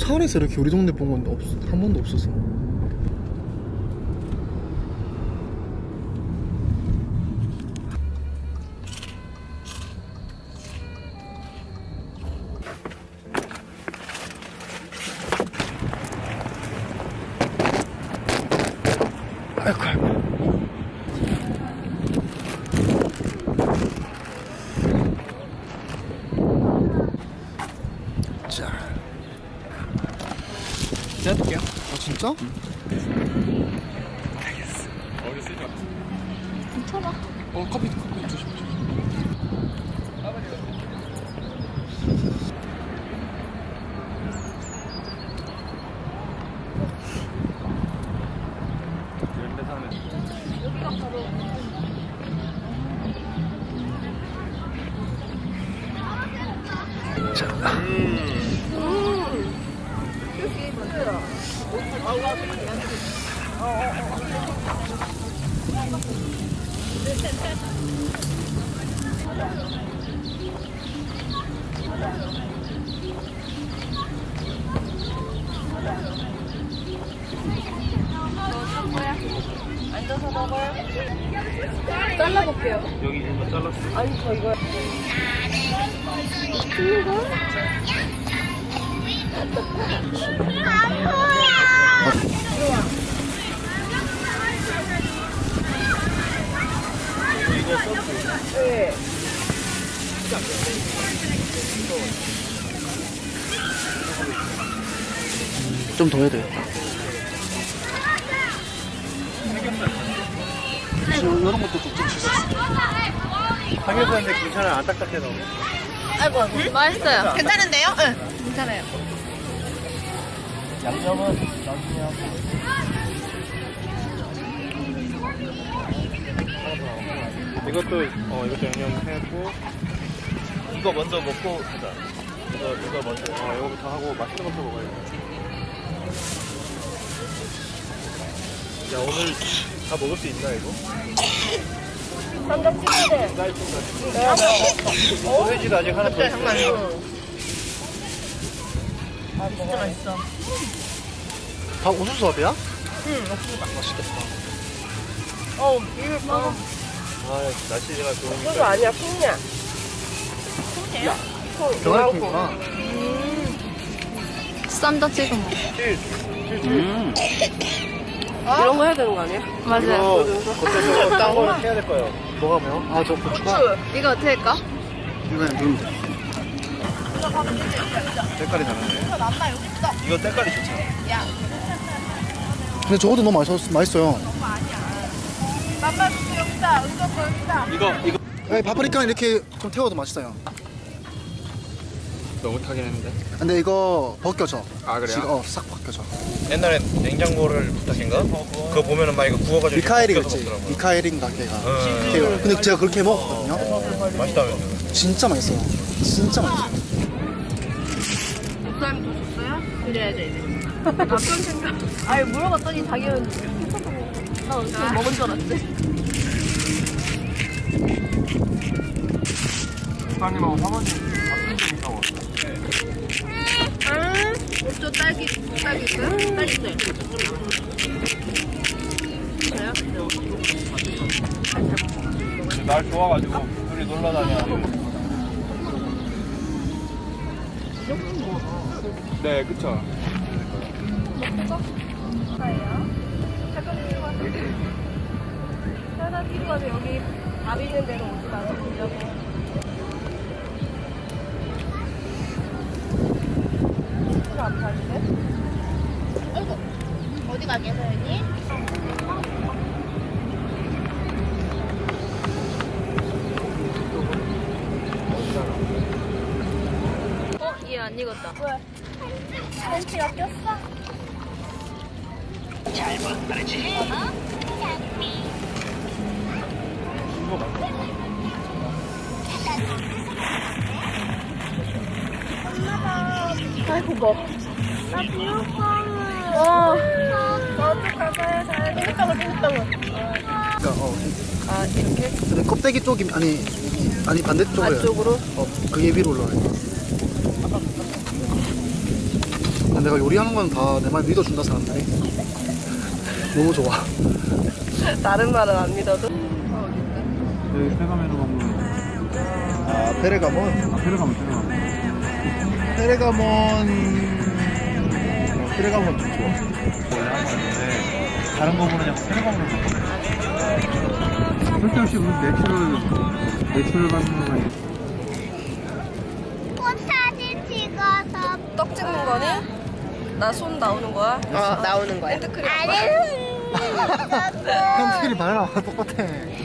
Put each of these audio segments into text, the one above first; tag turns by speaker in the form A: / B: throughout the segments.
A: 서울에서 이렇게 우리 동네 본 건 한 번도 없었어. 아이고 아이고. 자, 제가 할게요. 아 진짜? 알겠어.
B: 머리 쓰지 마.
C: 괜찮아.
A: 커피 조심.
B: 이런 데 사는.
C: 여기가 바로.
A: 자,
C: 여기 만들어. 앉아서 먹어요. 잘라볼게요.
B: 여기 이거 잘랐어.
C: 아니 저 이거.
B: 이거 소스.
C: 네.
A: 좀 더 해야 돼. 이런 것도 좀 주셨어.
B: 삼겹살인데 괜찮아? 안 딱딱해 너무?
C: 아이고 맛있어요. 괜찮은데요? 응. 괜찮아요.
B: 양념은 나중에 하고. 이것도 이것도 양념했고 이거 먼저 먹고 가자. 이거 먼저 이거부터 하고 맛있는 것도 먹어야 돼. 야 오늘 다 먹을 수 있나 이거?
C: 쌈장 찍어야 돼.
B: 소세지도 아직 하나 더 있어.
C: 아 진짜 맛있어.
A: 다 우수수업이야?
C: 응.
A: 맛있겠다.
C: 이거 봐.
B: 아 날씨가 좋으니까.
C: 그거 아니야 콩이야. 콩이야?
A: 병아리콩이구나.
C: 쌈장 찍어 먹어.
A: 아?
C: 이런 거 해야 되는 거 아니야? 맞아요.
B: 이거 겉에서 딴거 해야 될 거예요.
A: 뭐가 매워? 아, 저 고추가?
C: 이거 어떻게 할까?
A: 이거 그냥 누르면 돼.
B: 색깔이 다른데? 이거 색깔이 좋잖아.
A: 근데 저것도 너무 맛있어요.
B: 이거
A: 네, 파프리카 이렇게 좀 태워도 맛있어요.
B: 너무 타긴 했는데.
A: 근데 이거 벗겨져.
B: 아, 그래요?
A: 지금, 싹 벗겨져.
B: 옛날에 냉장고를 부탁인가? 그거 보면은 막 이거 구워가지고
A: 미카엘이가
B: 벗겨서
A: 있지.
B: 먹더라고요.
A: 미카엘인가 걔가.
B: 응.
A: 걔가. 근데 제가 그렇게 먹었거든요.
B: 맛있다면서.
A: 진짜 맛있어요. 진짜 맛있어요.
C: 목사님 더 줬어요? 그래야 돼 이제. 나쁜 생각. 아니 물어봤더니 자기는 나 어디서 먹은 줄 알았지.
B: 사장님하고 사모님 같은 집 있다고.
C: 저 딸기 있어요? 딸기 있어요. 그래요?
B: 날 좋아가지고 둘이 놀러 다녀. 네, 그쵸.
C: 하나 뒤로 가서 여기 밥 있는 데로 오지 마세요. 안 파는데? 아이고 어디 가게요 여기? 얘 안 익었다. 왜? 팬티가 꼈어? 잘 먹어야지. 아이고 뭐. 나 비호감을. 나도 가봐야 돼. 땡겼다고.
A: 그러니까,
C: 아 이렇게?
A: 근데 껍데기 쪽이, 아니 반대쪽으로.
C: 안쪽으로?
A: 그게 위로 올라와요. 근데 내가 요리하는 건 다 내 말 믿어준다 사람들이. 너무 좋아.
C: 다른 말은 안 믿어도.
B: 여기 페가메로 가면
A: 아 페레가몬. 페레가몬 좀 좋아.
B: 원래 한 건데 다른 거 보면 약간 페가메로 가면 쓸데없이 무슨 내추럴 받는 거
D: 꽃 사진 찍어서
C: 떡 찍는 거니? 나 손 나오는 거야? 나오는 거야. 핸드크림.
A: 팬티리 발랑 똑같아.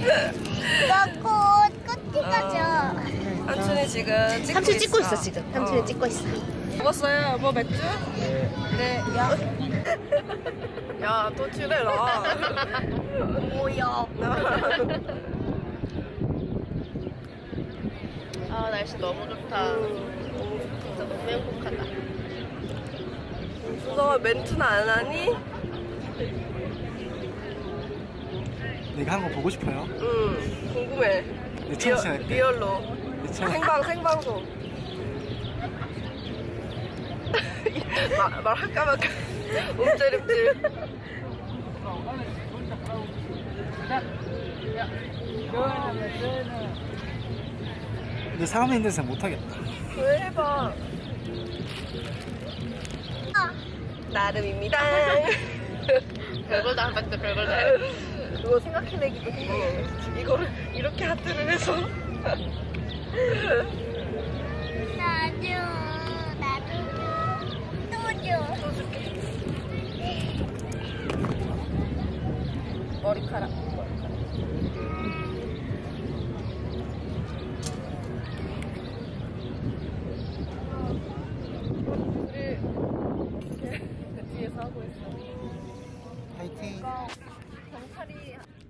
D: 꽃 찍어줘.
C: 삼촌이 지금
E: 삼촌 찍고 있어
C: 있어.
E: 지금. 삼촌이 찍고 있어.
C: 먹었어요? 뭐 맥주? 네. 야. 야, 또 칠해라. 뭐야?
E: 아 날씨 너무 좋다. 진짜 너무 행복하다.
C: 너 멘트는 안 하니?
A: 내가 하는 거 보고 싶어요?
C: 응. 궁금해.
A: 내 청취자 할게.
C: 리얼로.
A: 내 청-
C: 생방송. 말할까 말까. 움찔움찔.
A: 근데 사람이 있는 데서 못하겠다.
C: 왜 해봐. 나름입니다.
E: 별걸 다 한다. 별걸 다 해.
C: 그거 생각해내기도 해. 이거를 이렇게 하트를 해서.
D: 나도 또 줘.
C: 머리카락. 뒤에서 하고 있어.
A: 파이팅.
C: 경찰이